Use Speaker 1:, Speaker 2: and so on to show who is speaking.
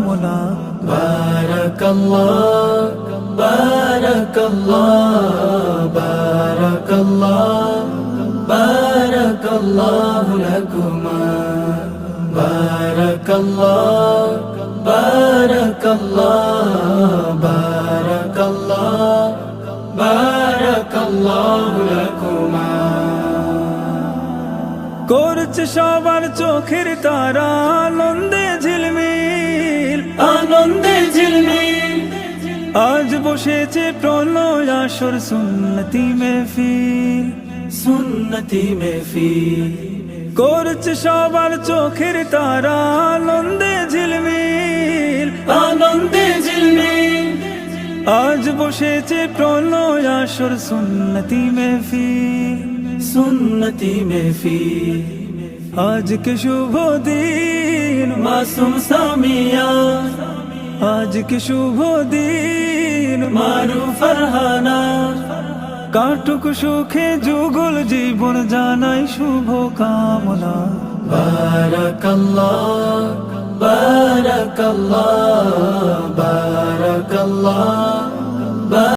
Speaker 1: কামনা।
Speaker 2: বারাকাল্লাহ বারাকাল্লাহ বারাকাল্লাহ বারাকাল্লাহু লাকুমা। বারাকাল্লাহ বারাকাল্লাহ বারাকাল্লাহ বারাকাল্লাহু লাকুমা।
Speaker 1: করছে সবার চোখের তারা আনন্দে ঝিলমিল,
Speaker 2: আনন্দে ঝিলমিল।
Speaker 1: আজ বসেছে প্রলয় আসর সুন্নতি মেহফিল,
Speaker 2: সুন্নতি মেহফিল।
Speaker 1: করছে সবার চোখের তারা আনন্দে ঝিলমিল,
Speaker 2: আনন্দে ঝিলমিল।
Speaker 1: আজ বসেছে প্রলয় আসর সুন্নতি মেহফিল,
Speaker 2: সুন্নতি মেহফিল।
Speaker 1: আজকে শুভ দিন
Speaker 2: মাসুম সামিয়া,
Speaker 1: আজকে শুভ দিন
Speaker 2: মারু ফারহানা।
Speaker 1: কাটুক সুখে যুগল জীবন জানাই শুভ কামনা।
Speaker 2: বারাকাল্লাহ বারাকাল্লাহ বারাকাল্লাহ।